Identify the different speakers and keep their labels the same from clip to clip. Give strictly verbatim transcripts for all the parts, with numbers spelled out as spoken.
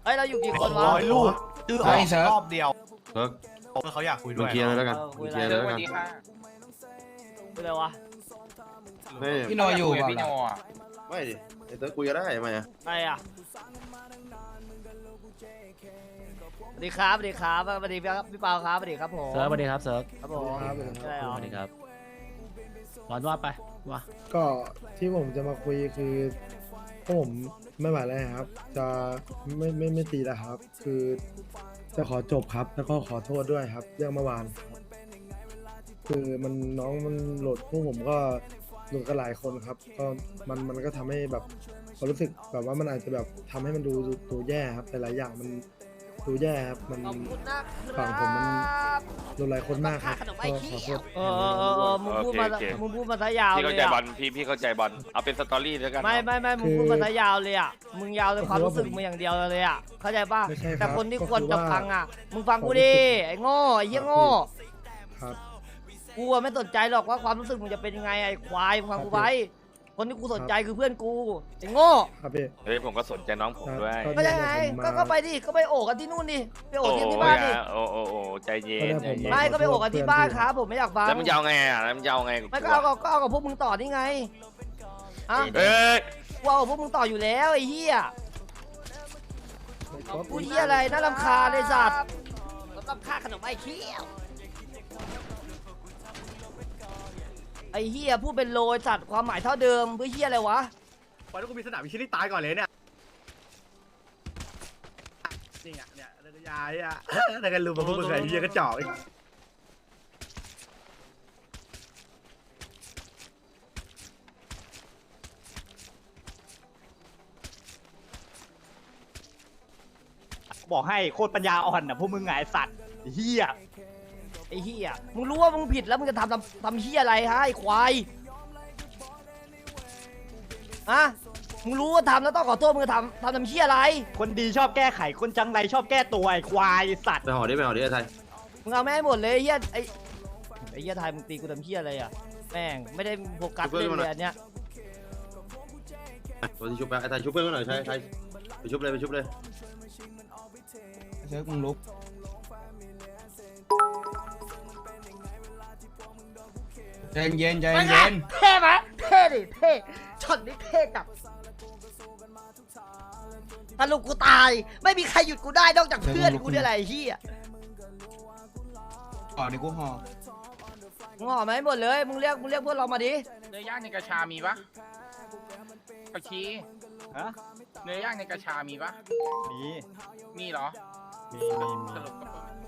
Speaker 1: อ้ยเราอยู่กี่คนวะ
Speaker 2: ร้อยลูกชื่อออกรอบเดียว
Speaker 3: เซิร์ฟ
Speaker 2: เขาอยากคุยด้
Speaker 3: มึ
Speaker 2: ว
Speaker 3: ง
Speaker 2: ย
Speaker 3: เคลียร์เลยแล้วกัน
Speaker 1: เออคุ
Speaker 3: มึ
Speaker 1: ย
Speaker 3: ง
Speaker 1: อะไร
Speaker 3: เคลียร์เลยแล้วกัน
Speaker 1: เป็นไรวะ
Speaker 3: ไม่
Speaker 4: พี่โนอยู่เปล่า
Speaker 5: พี่โน
Speaker 4: ล่ะ
Speaker 5: อ่ะ
Speaker 3: ไม่ดิไอ้เซิร์ฟคุยกันได้ไหมอ่ะ
Speaker 1: ใครอ่ะสวัสดีครับสวัสดีครับสวัสดีพี่พี่เปาครับสวัสดีครับผม
Speaker 6: เซิร์ฟสวัสดีครับเซิร์ฟ
Speaker 1: ครับผมใช่เหรอ
Speaker 6: สวัสดีครับร้อนว่าไปว่า
Speaker 7: ก็ที่ผมจะมาคุยคือพวกผมไม่ไหวแล้วครับ จะไม่ไม่ไม่ตีแล้วครับ คือจะขอจบครับ แล้วก็ขอโทษด้วยครับ เรื่องเมื่อวาน คือมันน้องมันโหลดพวกผมก็โหลดกันหลายคนครับ ก็มันมันก็ทำให้แบบความรู้สึกแบบว่ามันอาจจะแบบทำให้มันดูดูดูแย่ครับ แต่หลายอย่างมันดูแย่ครับมัน
Speaker 1: ขอบคุณนะค
Speaker 7: ฝั่
Speaker 1: รั
Speaker 7: งผมมัน
Speaker 1: บ
Speaker 7: โดนหลายคนมากครับก็ขอโทษ
Speaker 1: เออเออเออเออมึงพูดมา
Speaker 5: โอเคโอเค
Speaker 1: มึงพูดมาซะยาว
Speaker 5: พี่
Speaker 1: เล
Speaker 5: เข้าย ใจบอ
Speaker 1: อ่ะ
Speaker 5: ลพี่พี่เข้าใจบอลเอาเป็นสตอรี่แล้วกัน
Speaker 1: ไม่ไม่ไม่มึงพูดมาซะยาวเลยอ่ะมึงยาวในความรู้สึกมึงอย่างเดียวเลยอ่ะเข้าใจป่ะ
Speaker 7: ไม่ใช่ครับ
Speaker 1: แต่คนที่
Speaker 7: ก็
Speaker 1: ควร
Speaker 7: คือ
Speaker 1: จะ
Speaker 7: ว่า
Speaker 1: ฟังอ่ะมึงฟังกูดิไอ้โง่ไอ้เหี้ยโง่
Speaker 7: ครับ
Speaker 1: กูอะไม่สนใจหรอกว่าความรู้สึกมึงจะเป็นยังไงไอ้ควายมึงฟังกูไว้คนที่กูสนใจคือเพื่อนกูไอ้โง่
Speaker 7: ครับพี่
Speaker 5: เฮ้ยผมก็สนใจน้องผมด้วย
Speaker 7: ครับ
Speaker 1: ก็ยังไง
Speaker 7: ผมมา
Speaker 1: ก็ก็ไปดิก็ไปโอบกันที่นู่นดิไปโอ
Speaker 5: โอ้
Speaker 1: บที่
Speaker 5: โห
Speaker 1: ที่บ้านดิ
Speaker 5: โอ้โอ้โอ้ใจเย็นใจเย็น
Speaker 1: ไม่ก็ไปโอบกันที่บ้านครับผมไม่อยากฟัง
Speaker 5: แล้วมึงจะเอาไงอ่ะแล้วมึงจะเอาไง
Speaker 1: ไม่ก็เอากับก็เอากับพวกมึงต่อนี่ไงอ่ะ
Speaker 5: เอ้ย
Speaker 1: กูเอากับพวกมึงต่ออยู่แล้วไอ้เหี้ยกูเหี้ยอะไรน่ารำคาญเลยสัตว์รำคาญขนมไอ้เขี้ยวไอ้เหี้ยพูดเป็นโลยสัตว์ความหมายเท่าเดิมเพื่อเหี้ยอะไรวะ
Speaker 2: วันนี้กูมีสนามวิชิตที่ตายก่อนเลยเนี่ยนี่อ่ะเนี่ยเรื่องยายอ่ะแล้วกันรู้มาพวกมึงไอ้เหี้ยกระจอกอีกบอกให้โคตรปัญญาอ่อนนะพวกมึงไงสัตว์เหี้ย
Speaker 1: ไอ้เหี้ยมึงรู้ว่ามึงผิดแล้วมึงจะทำทำทำเหี้ยอะไรฮะไอ้ควายฮะมึงรู้ว่าทำแล้วต้องขอโทษมึงจะทำทำทำเหี้ยอะไร
Speaker 2: คนดีชอบแก้ไขคนจังไรชอบแก้ตัวไอ้ควายสัตว์
Speaker 3: ไปห่อดิไปห่อดิไอ้ไทย
Speaker 1: มึงเอาไม่ให้หมดเลยไอ้เหี้ยไอ้ไอ้เหี้ยไทยมึงตีกูทำเหี้ยอะไรอ่ะแม่งไม่ได้โฟกัสเล่นเลยอันเนี้ย
Speaker 3: ตัวที่ชุบไปไอ้ไทยชุบเพื่อนกันหน่อยใช่ไทยไปชุบเลยไปชุบเลย
Speaker 4: เซิร์ฟมึงลุก ใจเย็นใจ
Speaker 1: เป็นไง
Speaker 4: เย็น
Speaker 1: เท่ไหมเท่ดิเท่ช็อตนี้เท่จับสรุปกูตายไม่มีใครหยุดกูได้นอกจากเพื่อนกูเนี่ยแหละไอ้เหี้ย
Speaker 4: ห่อดิกูห่อ
Speaker 1: มึงห่อมาให้หมดเลยมึงเรียกมึงเรียกเพื่อนเรามาดิ
Speaker 5: เนื้อย่างในกระชามีปะผักชี
Speaker 2: ฮะ
Speaker 5: เนื้อย่างในกระชามีปะ
Speaker 2: มี
Speaker 5: มีเหรอ
Speaker 2: มีมีมี
Speaker 5: สรุปก็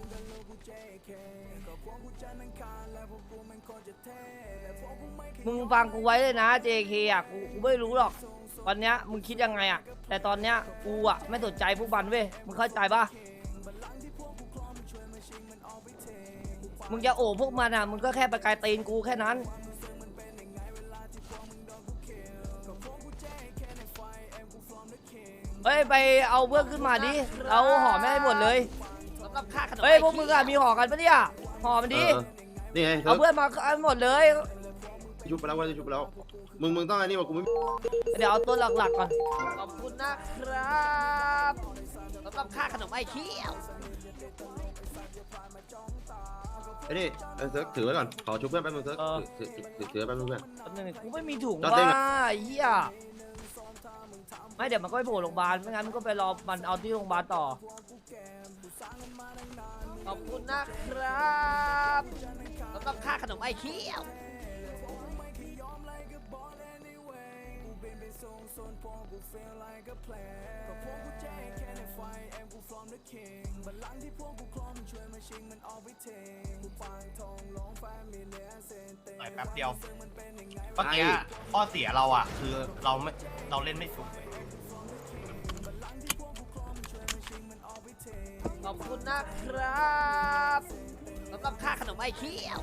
Speaker 1: มึงฟังกูไว้เลยนะ เจ เค อ่ะกูกูไม่รู้หรอกวันเนี้ยมึงคิดยังไงอ่ะแต่ตอนเนี้ยกูอ่ะไม่สนใจพวกมันเว้ยมึงเข้าใจปะมึงจะโอบพวกมันอ่ะมึงก็แค่ไปไกลตีนกูแค่นั้นเฮ้ยไปเอาเพื่อนขึ้นมาดิเอาห่อไม่ให้หมดเลยเฮ้ยพวกมึงอ่ะมีห่อกันปะเนี่ยห่อมันดิ
Speaker 3: เออนี่ไง
Speaker 1: เอาเพื่อนมาเอาหมดเลย
Speaker 3: ชุบไปแล้วว่าชุบไปแล้วมึงมึงต้องอันนี้ว่ากูไม่
Speaker 1: เดี๋ยวเอาตัวหลักๆก่อนขอบคุณนะครับสำหรับค่าขนมไอ้เขี้ยว
Speaker 3: ไอ้นี่ไอ้เซิร์ฟถือไว้ก่อนขอชุบเพื่อนแป๊บนึงเซิร์ฟถือถือถือถือแป๊บนึงเพื่อน
Speaker 1: แป๊บนึงกูไม่มีถุง
Speaker 3: จอด
Speaker 1: ว่า
Speaker 3: เต้นอะ
Speaker 1: ไอ้เหี้ยไม่เดี๋ยวมันก็ไปโผล่โรงพยาบาลไม่งั้นมันก็ไปรอมันเอาที่โรงพยาบาลต่อขอบคุณนะครับสำหรับค่าขนมไอ้เขี้ยว
Speaker 2: ต่อยแป๊บเดียวเมื่อกี้ข้อเสียเราอ่ะคือเราไม่เราเล่นไม่สุด
Speaker 1: ขอบคุณนะครับสำหรับค่าขนมไอ้เขี้ยว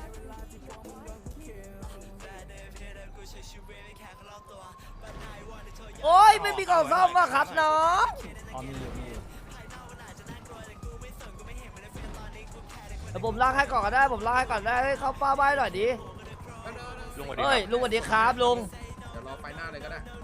Speaker 1: โอ้ยไม่มีกล่องซ่อมว่ะครับน้อง
Speaker 2: อ๋อมีอยู่มีอยู่
Speaker 1: เดี๋ยวผมลากให้ก่อนก็ได้ผมลากให้ก่อนได้ให้เขาป้าใบหน่อยดิ
Speaker 5: ลุงสวัสดี
Speaker 1: เฮ้ยลุงสวัสดีครับลุง
Speaker 5: เดี๋ยวรอไฟหน้าเลยก็ได้